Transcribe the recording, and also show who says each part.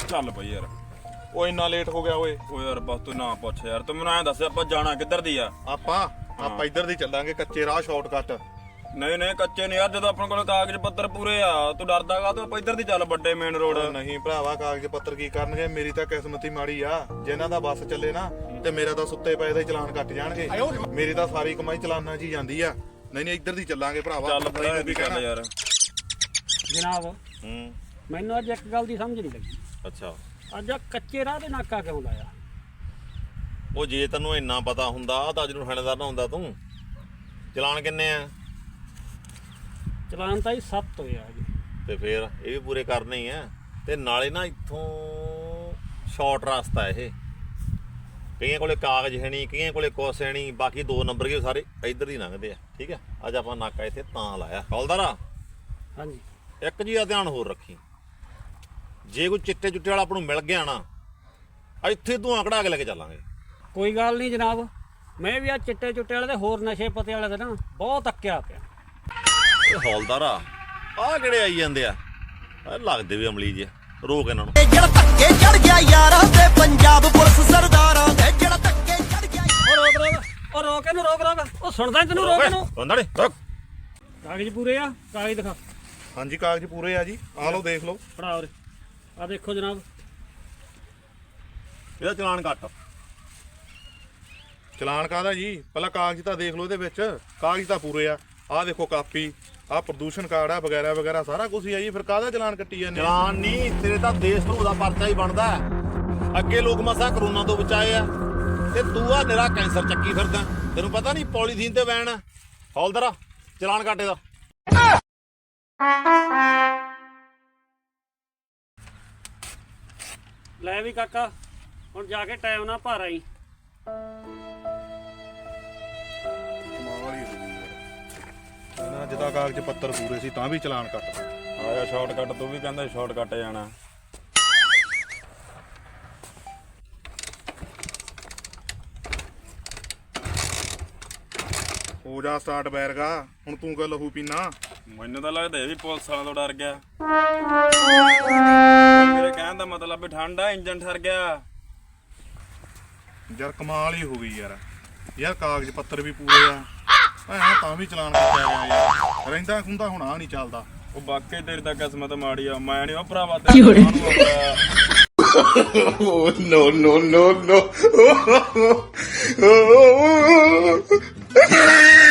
Speaker 1: ਚੱਲ ਬਈ ਯਾਰ।
Speaker 2: ਉਹ ਇੰਨਾ ਲੇਟ ਹੋ ਗਿਆ ਓਏ।
Speaker 1: ਓ ਯਾਰ ਬਸ ਤੂੰ ਨਾ ਪੁੱਛ ਯਾਰ, ਤੂੰ ਮੈਨੂੰ ਐਂ ਦੱਸ ਆਪਾਂ ਜਾਣਾ ਕਿੱਧਰ ਦੀ ਆ?
Speaker 2: ਆਪਾਂ ਇੱਧਰ ਦੀ ਚੱਲਾਂਗੇ, ਕੱਚੇ ਰਾਹ ਸ਼ਾਰਟਕਟ।
Speaker 1: ਨਹੀਂ ਨਹੀਂ ਕੱਚੇ ਨਹੀਂ ਯਾਰ, ਜਦੋਂ ਆਪਣੇ ਕੋਲ ਕਾਗਜ਼ ਪੱਤਰ ਪੂਰੇ ਆ। ਤੂੰ ਡਰਦਾ ਕਾ? ਤੂੰ ਆਪਾਂ ਇੱਧਰ ਦੀ ਚੱਲ, ਵੱਡੇ ਮੇਨ ਰੋਡ।
Speaker 2: ਨਹੀਂ ਭਰਾਵਾ, ਕਾਗਜ਼ ਪੱਤਰ ਕੀ ਕਰਨਗੇ? ਮੇਰੀ ਤਾਂ ਕਿਸਮਤ ਹੀ ਮਾੜੀ ਆ। ਜਿਨ੍ਹਾਂ ਦਾ ਬੱਸ ਚੱਲੇ ਨਾ ਤੇ ਮੇਰਾ ਤਾਂ ਸੁੱਤੇ ਪਏ ਦਾ ਹੀ ਚਲਾਨ ਕੱਟ ਜਾਣਗੇ। ਮੇਰੀ ਤਾਂ ਸਾਰੀ ਕਮਾਈ ਚਲਾਨਾਂ 'ਚ ਹੀ ਜਾਂਦੀ ਆ। ਨਹੀਂ ਇੱਧਰ ਦੀ ਚੱਲਾਂਗੇ ਭਰਾਵਾ।
Speaker 1: ਚੱਲ ਬਈ ਵੀ ਚੱਲ ਯਾਰ।
Speaker 3: ਜਨਾਬ ਮੈਨੂੰ ਅੱਜ ਇੱਕ ਗੱਲ ਦੀ ਸਮਝ ਨਹੀਂ ਲੱਗੀ।
Speaker 4: ਅੱਛਾ,
Speaker 3: ਅੱਜ ਆਹ ਕੱਚੇ ਰਾਹ ਦੇ ਨਾਕਾ ਕਿਉਂ ਲਾਇਆ?
Speaker 4: ਉਹ ਜੇ ਤੈਨੂੰ ਇੰਨਾ ਪਤਾ ਹੁੰਦਾ ਤਾਂ ਅੱਜ ਨੂੰ ਥਾਣੇਦਾਰ ਨਾ ਹੁੰਦਾ ਤੂੰ। ਚਲਾਨ ਕਿੰਨੇ ਆ?
Speaker 3: ਚਲਾਨ ਤਾਂ ਹੀ 7 ਹੋਇਆ ਜੀ।
Speaker 4: ਤੇ ਫੇਰ ਇਹ ਵੀ ਪੂਰੇ ਕਰਨੇ ਹੀ ਆ। ਤੇ ਨਾਲੇ ਨਾ ਇੱਥੋਂ ਸ਼ਾਰਟ ਰਸਤਾ ਇਹ। ਕਈਆਂ ਕੋਲੇ ਕਾਗਜ਼ ਹੈ ਨਹੀਂ, ਕਈਆਂ ਕੋਲੇ ਕੁਛ ਹੈ ਨਹੀਂ। ਬਾਕੀ 2 ਨੰਬਰ ਕੇ ਸਾਰੇ ਇੱਧਰ ਹੀ ਲੰਘਦੇ ਆ। ਠੀਕ ਆ, ਅੱਜ ਆਪਾਂ ਨਾਕਾ ਇੱਥੇ ਤਾਂ ਲਾਇਆ। ਹੌਲਦਾਰਾ
Speaker 3: ਹਾਂਜੀ,
Speaker 4: ਇੱਕ ਜੀ ਦਾ ਧਿਆਨ ਹੋਰ ਰੱਖੀ, ਜੇ ਕੋਈ ਚਿੱਟੇ ਚੁੱਟੇ ਵਾਲਾ ਆਪਾਂ ਨੂੰ ਮਿਲ ਗਿਆ ਨਾ, ਇੱਥੇ ਧੂਆਂ ਕਢਾ ਕੇ ਲੈ ਕੇ ਚੱਲਾਂਗੇ।
Speaker 3: ਕੋਈ ਗੱਲ ਨਹੀਂ ਜਨਾਬ, ਮੈਂ ਵੀ ਆ ਚਿੱਟੇ ਚੁੱਟੇ ਵਾਲੇ ਤੇ ਹੋਰ ਨਸ਼ੇ ਪਤੇ ਵਾਲੇ ਦੇ ਨਾ ਬਹੁਤ ਅੱਕਿਆ ਪਿਆ।
Speaker 4: ਇਹ ਹੌਲਦਾਰਾ ਆਹ ਕਿਹੜੇ ਆਈ ਜਾਂਦੇ ਆ? ਲੱਗਦੇ ਵੀ ਅਮਲੀ ਜੇ। ਰੋਕ ਇਹਨਾਂ ਨੂੰ।
Speaker 5: ਜਿਹੜਾ ਧੱਕੇ ਚੜ ਗਿਆ ਯਾਰਾਂ ਤੇ ਪੰਜਾਬ ਪੁਲਿਸ ਸਰਦਾਰਾਂ ਦੇ, ਜਿਹੜਾ ਧੱਕੇ ਚੜ ਗਿਆ।
Speaker 3: ਉਹ ਰੋਕ ਇਹਨੂੰ, ਰੋਕ। ਉਹ ਸੁਣਦਾ ਨੀ ਤੈਨੂੰ? ਰੋਕ ਇਹਨੂੰ।
Speaker 4: ਬੰਦਾ ਨੀ ਰੋਕ।
Speaker 3: ਕਾਗਜ਼ ਪੂਰੇ ਆ? ਕਾਗਜ਼ ਦਿਖਾ।
Speaker 2: ਹਾਂਜੀ ਕਾਗਜ਼ ਪੂਰੇ ਆ ਜੀ, ਆ ਲਓ ਦੇਖ ਲਓ।
Speaker 3: ਫੜਾ ਉਰੇ, ਆ ਦੇਖੋ ਜਨਾਬ।
Speaker 4: ਇਹਦਾ ਚਲਾਨ ਕੱਟ।
Speaker 2: ਚਲਾਨ ਕਾਹਦਾ ਜੀ? ਪਹਿਲਾਂ ਕਾਗਜ਼ ਤਾਂ ਦੇਖ ਲਓ ਇਹਦੇ ਵਿੱਚ। ਕਾਗਜ਼ ਤਾਂ ਪੂਰੇ ਆ। ਆਹ ਦੇਖੋ ਕਾਪੀ, ਆਹ ਪ੍ਰਦੂਸ਼ਣ ਕਾਰਡ ਆ, ਵਗੈਰਾ ਵਗੈਰਾ ਸਾਰਾ ਕੁਝ ਹੀ ਆ ਜੀ। ਫਿਰ ਕਾਹਦਾ ਚਲਾਨ ਕੱਟੀ ਜਾਂਦੇ?
Speaker 4: ਚਲਾਨ ਨਹੀਂ, ਤੇਰੇ ਤਾਂ ਦੇਸ਼ ਨੂੰ ਉਹਦਾ ਪਰਚਾ ਹੀ ਬਣਦਾ। ਅੱਗੇ ਲੋਕ ਮਸਾਂ ਕਰੋਨਾ ਤੋਂ ਬਚਾਏ ਆ, ਤੇ ਤੂੰ ਆ ਨਿਰਾ ਕੈਂਸਰ ਚੱਕੀ ਫਿਰਦਾ। ਤੈਨੂੰ ਪਤਾ ਨਹੀਂ ਪੋਲੀਥੀਨ ਤੇ ਬੈਨ ਆ। ਹੌਲਦਾਰਾ ਚਲਾਨ ਕੱਟ ਇਹਦਾ।
Speaker 3: ਲੈ ਵੀ ਕਾਕਾ, ਹੁਣ ਜਾ ਕੇ ਟਾਈਮ ਨਾਲ ਭਰ ਆਈ।
Speaker 2: ਇਹਨਾਂ ਜਿੱਦਾਂ ਕਾਗਜ਼ ਪੱਤਰ ਪੂਰੇ ਸੀ ਤਾਂ ਵੀ ਚਲਾਨ ਕੱਟਦਾ।
Speaker 1: ਆਇਆ ਸ਼ਾਰਟਕਟ, ਤੂੰ ਵੀ ਕਹਿੰਦਾ ਸ਼ਾਰਟਕਟ ਜਾਣਾ।
Speaker 2: ਹੋ ਜਾ ਸਟਾਰਟ ਬੈਰਗਾ, ਹੁਣ ਤੂੰ ਕਿਉਂ ਲਹੂ ਪੀਣਾ?
Speaker 1: ਮੈਨੂੰ ਤਾਂ ਲੱਗਦਾ ਇਹ ਵੀ ਪੁਲਿਸ ਵਾਲਿਆਂ ਤੋਂ ਡਰ ਗਿਆ। ਮੇਰੇ ਕਹਿਣ ਦਾ ਮਤਲਬ ਵੀ ਠੰਡ ਆ, ਇੰਜਨ ਠਰ ਗਿਆ।
Speaker 2: ਯਾਰ ਕਮਾਲ ਹੀ ਹੋ ਗਈ ਯਾਰ ਕਾਗਜ਼ ਪੱਤਰ ਵੀ ਪੂਰੇ ਆ, ਤਾਂ ਵੀ ਚਲਾਨ ਕੱਟਿਆ ਗਿਆ ਯਾਰ। ਰਹਿੰਦਾ ਖੁੰਦਾ ਹੁਣ ਆ ਨਹੀਂ ਚੱਲਦਾ।
Speaker 1: ਉਹ ਵਾਕਈ ਤੇਰੀ ਤਾਂ ਕਿਸਮਤ ਮਾੜੀ ਆ। ਮੈਂ ਨਹੀਂ ਉਹ ਭਰਾਵਾ ਤੇ
Speaker 2: no.